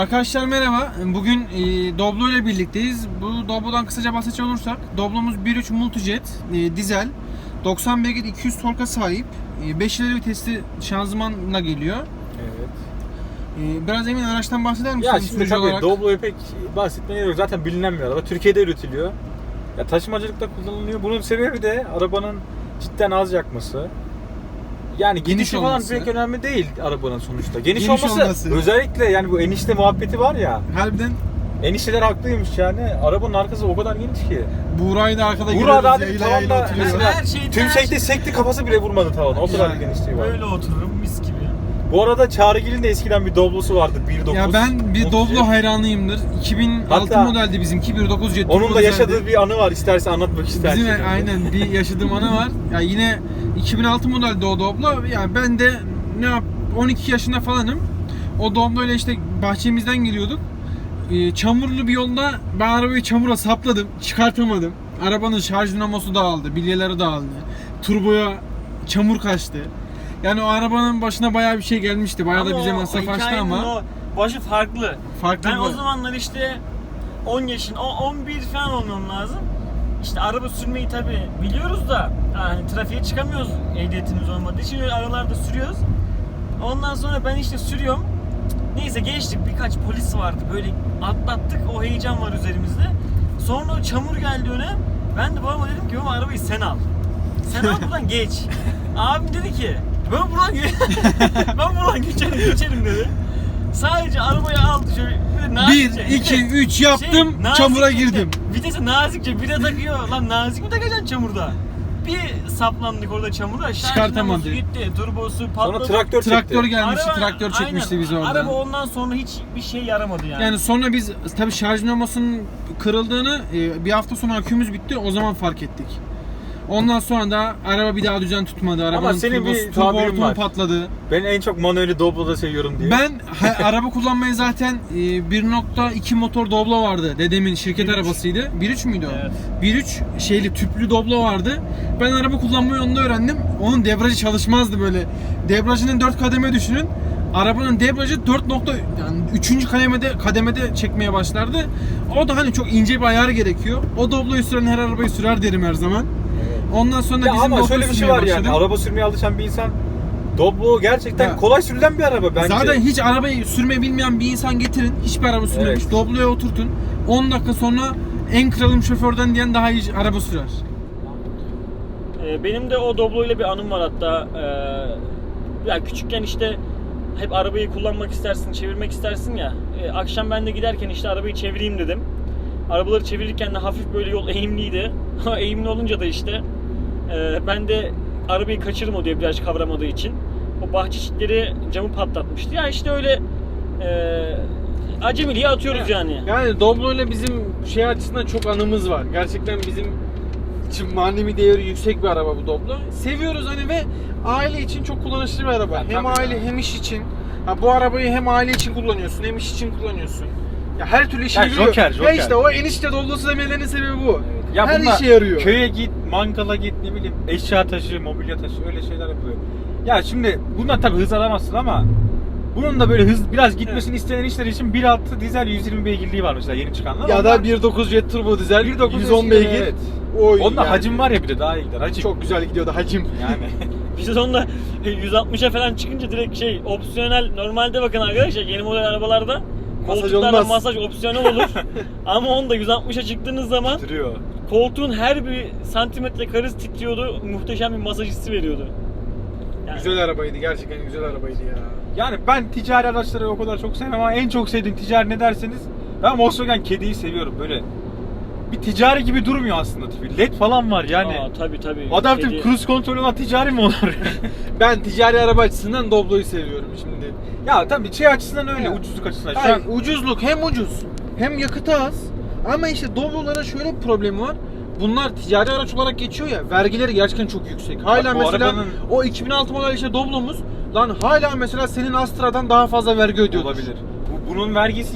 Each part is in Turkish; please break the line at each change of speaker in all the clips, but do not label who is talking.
Arkadaşlar merhaba. Bugün Doblo ile birlikteyiz. Bu Doblo'dan kısaca bahsedecek olursak, Doblo'muz 1.3 Multijet dizel 90 beygir 200 torka sahip. 5 ileri vitesli şanzımanla geliyor.
Evet.
Biraz emin araçtan bahseder misin?
Ya şimdi tabii olarak? Doblo'yu pek bahsetmeye gerek yok. Zaten bilinen bir araba. Türkiye'de üretiliyor. Ya taşımacılıkta kullanılıyor. Bunun sebebi de arabanın cidden az yakması. Yani geniş falan pek önemli değil arabanın sonuçta. Geniş olması. Özellikle yani bu enişte muhabbeti var ya.
Harbiden.
Enişteler haklıymış yani. Arabanın arkası o kadar geniş ki.
Buğra'yı da arkada
görüyoruz. Buğra da
tavanda
tümsekte sekti, kafası bile vurmadı tavana. O kadar genişliği var.
Öyle otururum mis gibi.
Bu arada Çağrıgil'in de eskiden bir Doblo'su vardı 1.9.
Ya ben bir Doblo hayranıyımdır. 2006
hatta
modeldi bizimki 1.9 jet.
Onun da yaşadığı bir anı var. İsterse anlatmak istersen.
Bizim aynen bir yaşadığım anı var. Ya yine 2006 modeldi o Doblo. Yani ben de 12 yaşında falanım. O Doblo ile işte bahçemizden geliyorduk. Çamurlu bir yolda ben arabayı çamura sapladım. Çıkartamadım. Arabanın şarj dinamosu dağıldı. Bilyeleri dağıldı. Turboya çamur kaçtı. Yani o arabanın başına bayağı bir şey gelmişti. Bayağı da bize masraf açtı ama.
O başı farklı. Ben
mı?
o zamanlar işte 10 yaşın, 11 falan olmam lazım. İşte araba sürmeyi tabi biliyoruz da yani trafiğe çıkamıyoruz ehliyetimiz olmadığı için öyle aralarda sürüyoruz. Ondan sonra ben işte sürüyorum. Neyse geçtik, birkaç polis vardı böyle atlattık, o heyecan var üzerimizde. Sonra o çamur geldi öne. Ben de babama dedim ki baba arabayı sen al. Sen al buradan geç. Abim dedi ki ben buradan geçerim dedi. Sadece arabayı aldı şöyle nazikçe.
1, 2, 3 yaptım, çamura girdim.
Vitesi nazikçe bire takıyor. Lan nazik mi takacaksın çamurda? Bir saplandık orada çamura.
Çıkartamadı.
Gitti, turbosu patladı.
Sonra traktör
gelmişti,
araba,
traktör çekmişti
aynen,
bizi orada.
Araba ondan sonra hiçbir şey yaramadı yani.
Yani sonra biz tabii şarj dinamosunun kırıldığını bir hafta sonra akümüz bitti, o zaman fark ettik. Ondan sonra da araba bir daha düzen tutmadı. Arabanın
ama senin bir tabirin var.
Patladı.
Ben en çok manueli Doblo'da seviyorum diye.
Ben araba kullanmayı zaten 1.2 motor Doblo vardı. Dedemin şirket
1.3
arabasıydı. 1.3 müydü o?
Evet.
1.3 şeyli tüplü Doblo vardı. Ben araba kullanmayı onda öğrendim. Onun debriyajı çalışmazdı böyle. Debriyajının 4 kademe düşünün. Arabanın debriyajı 4 yani 3. kademede çekmeye başlardı. O da hani çok ince bir ayar gerekiyor. O Doblo'yu süren her arabayı sürer derim her zaman. Ondan sonra
ya
bizim
ama şöyle bir şey var
başladım.
yani araba sürmeye alışan bir insan Doblo gerçekten kolay sürülen bir araba bence.
Zaten hiç arabayı sürmeyi bilmeyen bir insan getirin. Hiçbir araba sürmemiş. Evet. Doblo'ya oturtun. 10 dakika sonra en kralım şoförden diyen daha iyi araba sürer.
Benim de o Doblo ile bir anım var hatta. Ya küçükken işte hep arabayı kullanmak istersin, çevirmek istersin ya. Akşam ben de giderken işte arabayı çevireyim dedim. Arabaları çevirirken de hafif böyle yol eğimliydi. Eğimli olunca da işte ben de arabayı kaçırdım o debriyaj kavramadığı için. O bahçe çitleri camı patlatmıştı. Ya işte öyle acemiliğe atıyoruz yani.
Yani Doblo ile bizim şey açısından çok anımız var. Gerçekten bizim için manevi değeri yüksek bir araba bu Doblo. Seviyoruz hani ve aile için çok kullanışlı bir araba. Ya, hem aile hem iş için. Ha, bu arabayı hem aile için kullanıyorsun hem iş için kullanıyorsun. Ya her türlü işe yarıyor.
Joker.
Ya işte o enişte Doblo'su demelerinin sebebi bu.
Ya
her işe yarıyor.
Köye git, mangala git, ne bileyim eşya taşı, mobilya taşı öyle şeyler yapılıyor. Ya şimdi bundan tabii hız alamazsın ama bunun da böyle hız biraz gitmesini isteyen işler için 1.6 dizel 120 beygirliği var mesela yeni çıkanlar.
Ya da 1.9 jet turbo dizel 110 beygir. Evet.
Onda yani. Hacim var ya bir de daha iyi gider. Hacim.
Çok güzel gidiyordu hacim.
Yani.
Biz onda 160'a falan çıkınca direkt opsiyonel, normalde bakın arkadaşlar yeni model arabalarda koltuklarda masaj opsiyonel olur. Ama onda 160'a çıktığınız zaman
titriyor.
Koltuğun her bir santimetre karesi titriyordu. Muhteşem bir masaj hissi veriyordu.
Yani. Güzel arabaydı, gerçekten güzel arabaydı ya.
Yani ben ticari araçları o kadar çok sevmem ama en çok sevdiğim ticari ne derseniz ben Volkswagen Caddy'yi seviyorum böyle. Bir ticari gibi durmuyor aslında tipi. LED falan var yani.
Tabii.
Adaptif cruise kontrolü olan ticari mi olur?
Ben ticari araba açısından Doblo'yu seviyorum şimdi.
Ya tabii şey açısından öyle, ucuzluk açısından.
Şu an ucuzluk hem ucuz hem yakıtı az. Ama işte Doblo'lara şöyle bir problemi var. Bunlar ticari araç olarak geçiyor ya, vergileri gerçekten çok yüksek. Hala mesela arabanın... o 2006 model işte Doblo'muz lan hala mesela senin Astra'dan daha fazla vergi ödüyor.
Olabilir. Bunun vergisi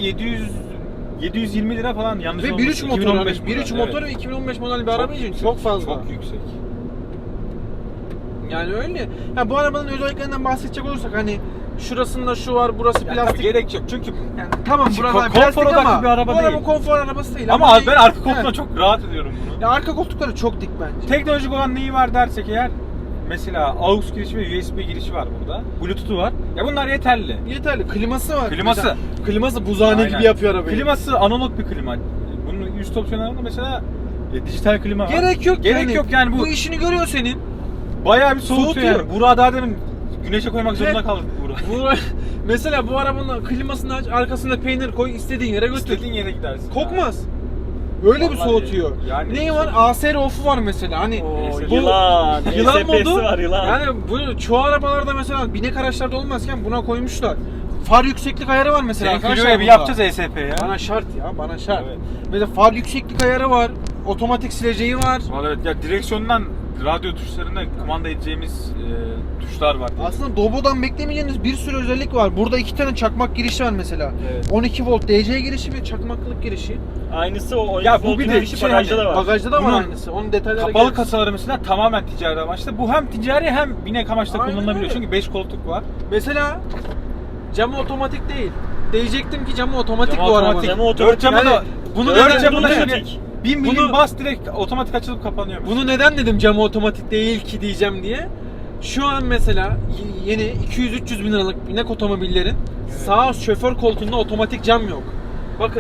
720 lira falan yanlış
ve
olmuş.
1.3 motor, 1.3 motor ve 2015 model bir araba için çok fazla.
Çok yüksek.
Yani öyle. Ya bu arabanın özelliklerinden bahsedecek olursak hani şurasında şu var, burası
Yani
plastik.
tabii gerek yok çünkü
Yani tamam
Şimdi
buralar
konfor
plastik
odaklı
ama
bir araba
bu araba
değil.
konfor arabası değil.
ama ben arka
Evet.
koltuğuna çok rahat ediyorum bunu.
Ya arka koltukları çok dik bence.
Teknolojik olan neyi var dersek eğer, mesela AUX girişi ve USB girişi var burada. Bluetooth'u var. Ya bunlar yeterli.
Yeterli. Kliması var.
Kliması.
Mesela, kliması buzhane
Aynen.
gibi yapıyor arabayı.
Kliması analog bir klima. Bunun üst opsiyonlarında mesela dijital klima var.
Gerek yok
Gerek yok yani bu
işini görüyor senin.
bayağı bir soğutuyor
Soğutuyor.
yani. Burak'ı daha demin güneşe koymak zorunda
Evet.
kaldık Burak.
Mesela bu arabanın klimasını aç, arkasında peynir koy, istediğin yere götür.
İstediğin yere gidersin.
Kokmaz. Öyle bir
Vallahi
soğutuyor.
yani
Neyi var? ASR off'u var mesela. Hani
Oo,
bu
yılan.
yılan
ESP'si
modu.
var, yılan.
Yani bu çoğu arabalarda mesela binek araçlarda olmazken buna koymuşlar. Far yükseklik ayarı var mesela.
Senin
arkadaşlar
Clio'ya bir
bunda.
yapacağız ESP ya.
Bana şart ya, bana şart.
Evet.
Mesela far yükseklik ayarı var. Otomatik sileceği var.
Vallahi evet ya, direksiyondan radyo tuşlarına kumanda edeceğimiz tuşlar var.
Aslında Doblo'dan beklemeyeceğiniz bir sürü özellik var. Burada 2 tane çakmak girişi var mesela.
Evet.
12 volt DC girişi ve çakmaklık girişi.
Aynısı o.
Ya bu
voltun
bir de
girişi
şey
bagajda
hani,
da var.
Bagajda da var
Bunun
aynısı. Onun detayları
Kapalı
geliriz.
kasaları mesela tamamen ticari amaçlı. Bu hem ticari hem binek amaçlı
Aynen
kullanılabiliyor.
öyle.
Çünkü 5 koltuk var.
Mesela camı otomatik değil. Diyecektim ki camı otomatik
Camı
bu
otomatik.
arabanın.
Camı otomatik.
Dört camı
Yani
da
bunu
dört
neden-
camı da
bunu
şöyle
otomatik.
bin milim
Bunu-
bas direkt otomatik açılıp kapanıyor.
Bunu neden dedim camı otomatik değil ki diyeceğim diye. Şu an mesela yeni 200-300 bin liralık binek otomobillerin sağ şoför koltuğunda otomatik cam yok. Bakın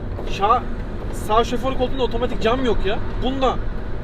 sağ şoför koltuğunda otomatik cam yok ya. Bunda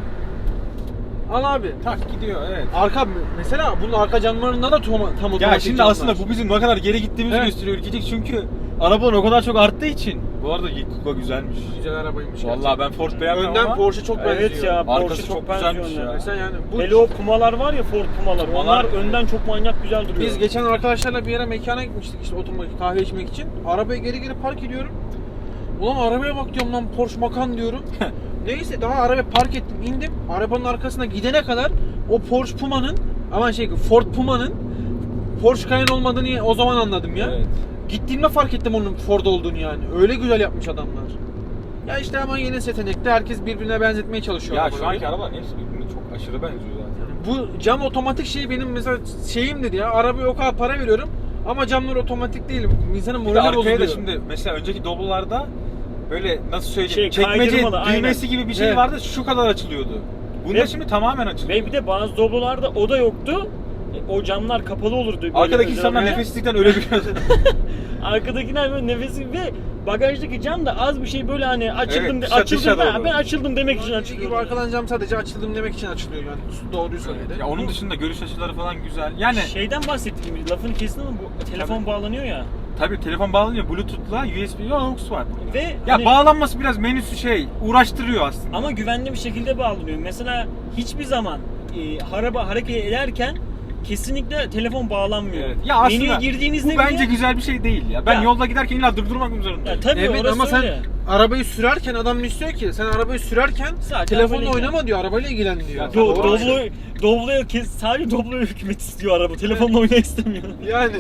al abi.
tak gidiyor evet.
Arka mesela bunun arka camlarında da tam otomatik
Ya şimdi
camlar.
aslında bu bizim ne kadar geri gittiğimizi
Evet.
gösteriyor ülkecek çünkü arabalar o kadar çok arttığı için. Bu arada Kuga güzelmiş.
Güzel arabaymış.
Vallahi ben Ford beğenmiyorum
Önden
ama
Porsche çok benziyor.
Evet ya,
Arkası
Porsche
çok
çok benziyor
güzelmiş
onlara.
ya.
Mesela yani bu
Hele o Puma'lar var ya, Ford Puma'lar.
Pumalar-
Onlar önden çok manyak güzel duruyor.
biz geçen arkadaşlarla bir yere mekana gitmiştik işte otomatik kahve içmek için. Arabayı geri park ediyorum. Ulan arabaya bak diyorum lan Porsche Macan diyorum. Neyse daha arabayı park ettim indim. Arabanın arkasına gidene kadar o Porsche Puma'nın Ford Puma'nın Porsche Cayenne olmadığını o zaman anladım ya.
Evet.
Gittiğimde fark ettim onun Ford olduğunu yani. Öyle güzel yapmış adamlar. Ya işte ama yeni seçenekte herkes birbirine benzetmeye çalışıyor.
Ya
arabaları.
şu anki arabaların hepsi birbirine çok aşırı benziyor zaten.
Bu cam otomatik şey benim mesela şeyimdir ya. Arabaya o kadar para veriyorum ama camlar otomatik değil. İnsanın
Bir de
morali
arkaya da
bozuluyor.
şimdi mesela önceki Doblo'larda böyle nasıl söyleyeyim çekmece
kaydırmalı,
düğmesi
aynen.
gibi bir şey
Evet.
vardı şu kadar açılıyordu. Bunda
Ve-
şimdi tamamen açılıyor.
Ve bir de bazı Doblo'larda o da yoktu. O camlar kapalı olurdu. Böyle
Arkadaki
özel
insanlar
olarak.
nefeslikten ölebiliyordu.
Arkadakiler böyle nefesi ve bagajdaki cam da az bir şey böyle hani açıldım
Evet, dışa
açıldım
doğru.
ben açıldım demek için
Dediği gibi
açılıyor.
arkadan cam sadece açıldım demek için açılıyor yani. Doğruyu söyledi.
ya onun dışında görüş açıları falan güzel. Yani
Şeyden bahsettiğim gibi lafını kestim ama bu telefon
Tabii.
bağlanıyor ya.
tabii telefon bağlanıyor Bluetooth'la USB AUX var.
Ve
Ya
hani-
bağlanması biraz menüsü uğraştırıyor aslında.
ama güvenli bir şekilde bağlanıyor. Mesela hiçbir zaman araba hareket ederken kesinlikle telefon bağlanmıyor.
Evet. Ya aslında
Menüye girdiğinizde
bu bence
bile-
güzel bir şey değil ya. Ben
Ya-
yolda giderken illa durdurmak mı zorundayım?
Ya tabii
Evet
orası
ama
öyle.
sen arabayı sürerken adam istiyor ki sen arabayı sürerken
Sadece
telefonla
arabayla
oynama diyor, arabayla ilgilen diyor.
Ya
Doğru.
Doblo'ya sadece Doblo'ya hükmet istiyor araba. Telefonla oynamak istemiyor.
Yani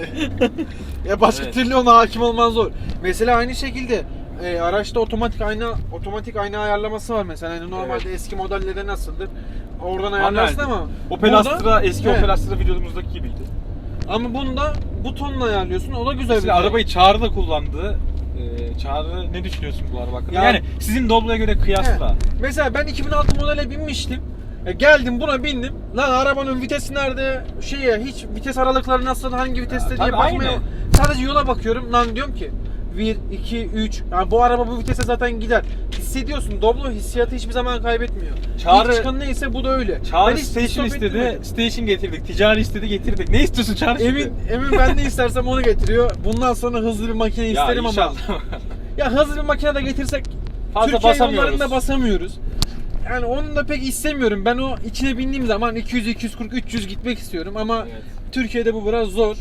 ya başka
Evet.
türlü ona hakim olman zor. Mesela aynı şekilde araçta otomatik ayna ayarlaması var mesela. Yani normalde eski modellerde nasıldır? Oradan ayarlarsın ama
Opel
burada-
Astra eski
Evet.
Opel Astra videomuzdaki gibiydi.
Ama bunda butonla ayarlıyorsun. O da güzel
Mesela
bir şey.
arabayı Çağrı da kullandı. Çağrı ne düşünüyorsun bu araba hakkında?
Yani-
Yani sizin Doblo'ya göre kıyasla.
He. Mesela ben 2006 modele binmiştim. Geldim buna bindim. Lan arabanın vitesi nerede? Hiç vites aralıkları nasıl? Hangi viteste diye
tabii
bakmaya.
aynı.
Sadece yola bakıyorum. Lan diyorum ki 1, 2, 3. Yani bu araba bu vitese zaten gider. Hissediyorsun. Doblo hissiyatı hiçbir zaman kaybetmiyor.
Çağrı-
İlk çıkan neyse bu da öyle.
Çağrı
Ben hiç
station
stop
istedi,
ettirmedim.
station getirdik. Ticari istedi, getirdik. Ne istiyorsun Çağrı şimdi?
Emin ben ne istersem onu getiriyor. Bundan sonra hızlı bir makine
Ya
isterim ama.
inşallah.
Ya hızlı bir makine de getirsek
Fazla
Türkiye
basamıyoruz.
yollarında basamıyoruz. Yani onu da pek istemiyorum. Ben o içine bindiğim zaman 200, 240, 300 gitmek istiyorum ama
Evet.
Türkiye'de bu biraz zor.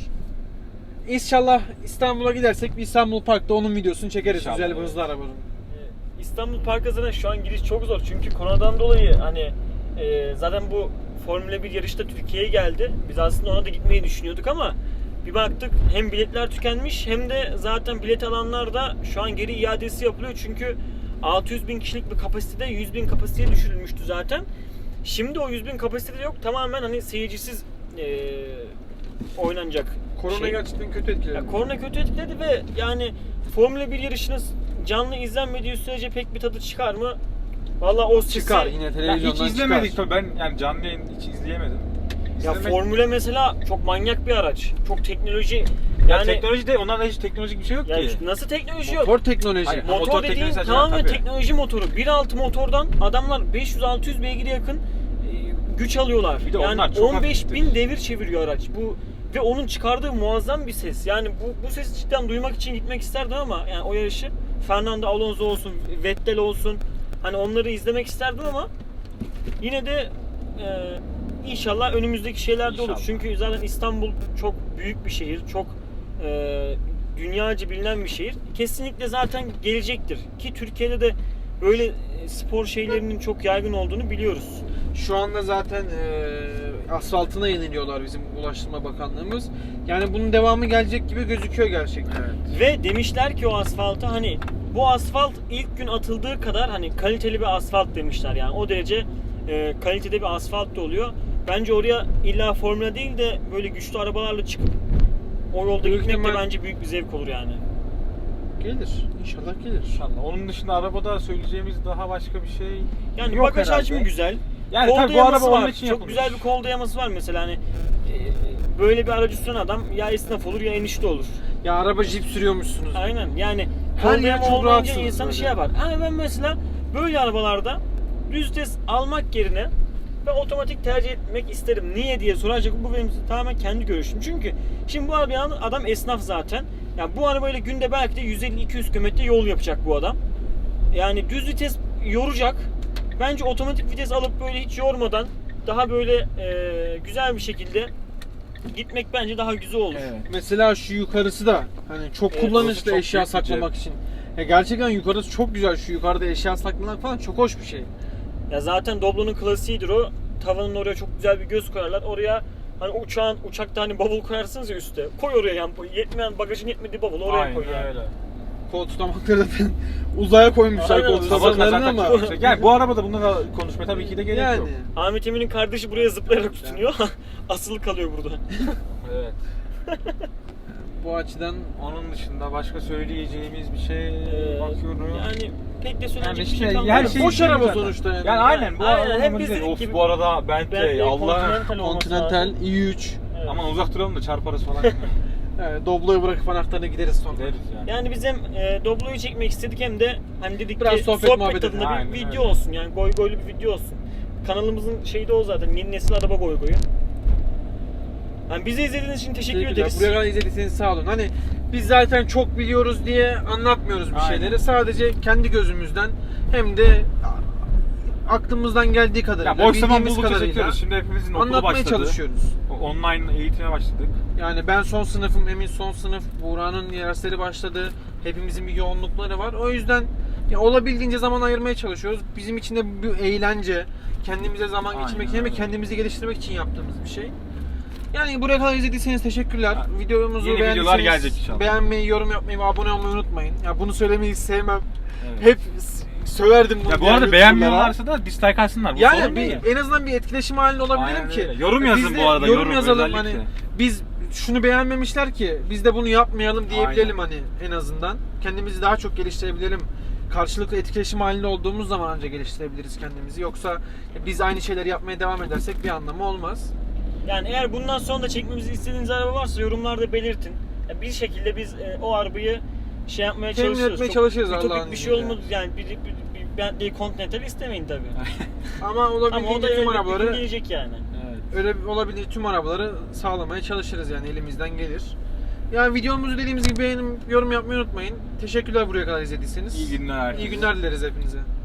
İnşallah İstanbul'a gidersek bir İstanbul Park'ta onun videosunu çekeriz.
İnşallah,
Güzel bir
evet.
hızlı arabanın.
İstanbul Park'a zaten şu an giriş çok zor. Çünkü koronadan dolayı hani zaten bu Formula 1 yarışta Türkiye'ye geldi. Biz aslında ona da gitmeyi düşünüyorduk ama bir baktık hem biletler tükenmiş hem de zaten bilet alanlar da şu an geri iadesi yapılıyor. Çünkü 600 bin kişilik bir kapasitede 100 bin kapasiteye düşürülmüştü zaten. Şimdi o 100 bin kapasitede yok. Tamamen hani seyircisiz oynanacak
Korona
şey.
gerçekten kötü etkiledi.
Ya, korona kötü etkiledi ve yani Formula 1 yarışını canlı izlenmediği sürece pek bir tadı çıkar mı? Valla o sesi...
Çıkar yine
Ya
televizyondan
hiç izlemedik
çıkar.
tabii, ben yani canlı yayın hiç izleyemedim.
Ya
İzlemek-
Formula mesela çok manyak bir araç. Çok teknoloji.
ya
Yani
teknoloji de, onlarda hiç teknolojik bir şey yok
yani
ki.
nasıl teknoloji yok?
Motor teknoloji.
Hayır.
Motor
Motor
dediğin
teknolojisi
tamamen
tabii.
teknoloji motoru. 1.6 motordan adamlar 500-600 beygire yakın güç alıyorlar.
Bir de
yani
onlar çok
15.000 devir çeviriyor araç. Bu ve onun çıkardığı muazzam bir ses. Yani bu sesi cidden duymak için gitmek isterdim ama yani o yarışı Fernando Alonso olsun, Vettel olsun, hani onları izlemek isterdim ama yine de inşallah önümüzdeki şeyler de olur.
İnşallah.
Çünkü zaten İstanbul çok büyük bir şehir. Çok dünyaca bilinen bir şehir. Kesinlikle zaten gelecektir. Ki Türkiye'de de böyle spor şeylerinin çok yaygın olduğunu biliyoruz.
Şu anda zaten asfaltına yeniliyorlar bizim Ulaştırma Bakanlığımız. Yani bunun devamı gelecek gibi gözüküyor gerçekten.
Evet.
Ve demişler ki o asfalta hani bu asfalt ilk gün atıldığı kadar hani kaliteli bir asfalt demişler. Yani o derece kalitede bir asfalt da oluyor. Bence oraya illa formüla değil de böyle güçlü arabalarla çıkıp o yolda
Büyük
gitmek de
ihtimal-
bence büyük bir zevk olur yani.
Gelir. İnşallah gelir.
İnşallah. Onun dışında arabada söyleyeceğimiz daha başka bir şey
Yani
yok
bagaj
herhalde.
hacmi güzel.
Yani
Kol
tabii bu
dayaması
araba onun
var.
için
Çok
yapılmış.
güzel bir kol dayaması var mesela hani böyle bir aracı süren adam ya esnaf olur ya enişte olur.
Ya araba jip sürüyormuşsunuz.
Aynen yani
Her
kol
yer
dayama
çok
olmayınca
rahatsınız
insanı
böyle.
şey yapar. Ama ben mesela böyle arabalarda düz vites almak yerine ve otomatik tercih etmek isterim. Niye diye soracak, bu benim tamamen kendi görüşüm. Çünkü şimdi bu arabayı alan adam esnaf zaten. Yani bu arabayla günde belki de 150-200 km yol yapacak bu adam. Yani düz vites yoracak. Bence otomatik vites alıp böyle hiç yormadan daha böyle güzel bir şekilde gitmek bence daha güzel olur.
Evet.
Mesela şu yukarısı da hani çok
Evet,
kullanışlı
orası çok
eşya
büyük bir
saklamak için. Ya gerçekten yukarısı çok güzel. Şu yukarıda eşya saklamak falan çok hoş bir şey.
Ya zaten Doblo'nun klasiğidir o. Tavanın oraya çok güzel bir göz koyarlar. Oraya hani uçakta hani bavul koyarsınız ya üstte. Koy oraya yani yetmeyen bagajın yetmediği bavulu oraya
Aynen
koy yani.
öyle.
Kol tutamakları zaten uzaya koymuşlar
Aynen,
kol
uzaya
tutamaklarını
zaten
ama.
çok yüksek. Yani bu arabada bunlara konuşmaya tabii ki de gerek
Yani
yok.
Ahmet Emin'in kardeşi buraya zıplayarak tutunuyor. Asılı kalıyor burada.
Evet.
bu açıdan
Onun dışında başka söyleyeceğimiz bir şey bakıyorum.
Yani pek de söyleyecek
Yani
bir şey
işte
kalmadı.
her şey
boş araba
zaten.
sonuçta yani.
Yani aynen bu
Aynen,
araba
hem
normal
biz
değil.
dedik
Of
gibi-
bu arada Bentley Allah.
Continental olması
Continental
lazım.
i3.
Evet.
Aman uzak duralım da çarparız falan.
Evet, Doblo'yu bırakıp anahtarına gideriz sonra.
Gideriz yani.
Yani biz hem Doblo'yu çekmek istedik hem de hani dedik
Biraz
ki
sohbet muhabbet
tadında bir
edelim.
video
Aynen öyle.
olsun yani goy goylu bir video olsun. Kanalımızın şeyi de o zaten, yeni nesil araba goy goyu. Yani bizi izlediğiniz için teşekkür
Teşekkürler.
ederiz.
Buraya kadar izlediyseniz sağ olun. Hani biz zaten çok biliyoruz diye anlatmıyoruz bir
Aynen.
şeyleri. Sadece kendi gözümüzden hem de aklımızdan geldiği kadarıyla,
Ya boş zaman
bildiğimiz
buldukça
kadarıyla
çekiyoruz. Şimdi hepimizin okulu
anlatmaya
başladı.
çalışıyoruz.
Online eğitime başladık.
Yani ben son sınıfım, Emin son sınıf, Buğra'nın dersleri başladı. Hepimizin bir yoğunlukları var. O yüzden ya olabildiğince zaman ayırmaya çalışıyoruz. Bizim için de bir eğlence, kendimize zaman
Aynen
geçirmek için ve
öyle.
kendimizi geliştirmek için yaptığımız bir şey. Yani buraya kadar izlediyseniz teşekkürler.
Ya,
Videomuzu
yeni videolar
beğendiyseniz
gelecek inşallah.
beğenmeyi, yorum yapmayı ve abone olmayı unutmayın. Ya bunu söylemeyi sevmem.
Evet.
Hep söverdim bunu.
Ya bu
diğer
arada
YouTuber'lara.
beğenmiyorlarsa da dislike atsınlar. Bu
Yani
sorun değil.
en azından bir etkileşim halinde olabilirim
Aynen
ki.
öyle. Yorum yazın
Biz de
bu arada,
Yorum
yorum
yazalım
özellikle.
hani biz şunu beğenmemişler ki biz de bunu yapmayalım diyebilelim
Aynen.
hani en azından. Kendimizi daha çok geliştirebilelim. Karşılıklı etkileşim halinde olduğumuz zaman ancak geliştirebiliriz kendimizi. Yoksa biz aynı şeyleri yapmaya devam edersek bir anlamı olmaz.
Yani eğer bundan sonra da çekmemizi istediğiniz araba varsa yorumlarda belirtin. Ya bir şekilde biz o arabayı şey yapmaya
Temin
çalışıyoruz.
etmeye
Çok
çalışırız
ütopik
Allah'ın
bir şey
izniyle.
olmadı yani bir Bentley Continental istemeyin tabii.
Ama
Ama o da
olabildiğince tüm
elbet bir gün
arabaları
gelecek yani.
Evet.
öyle olabildiğince tüm arabaları sağlamaya çalışırız yani elimizden gelir. Yani videomuzu dediğimiz gibi beğenip yorum yapmayı unutmayın. Teşekkürler buraya kadar izlediyseniz.
İyi günler.
İyi günler dileriz hepinize.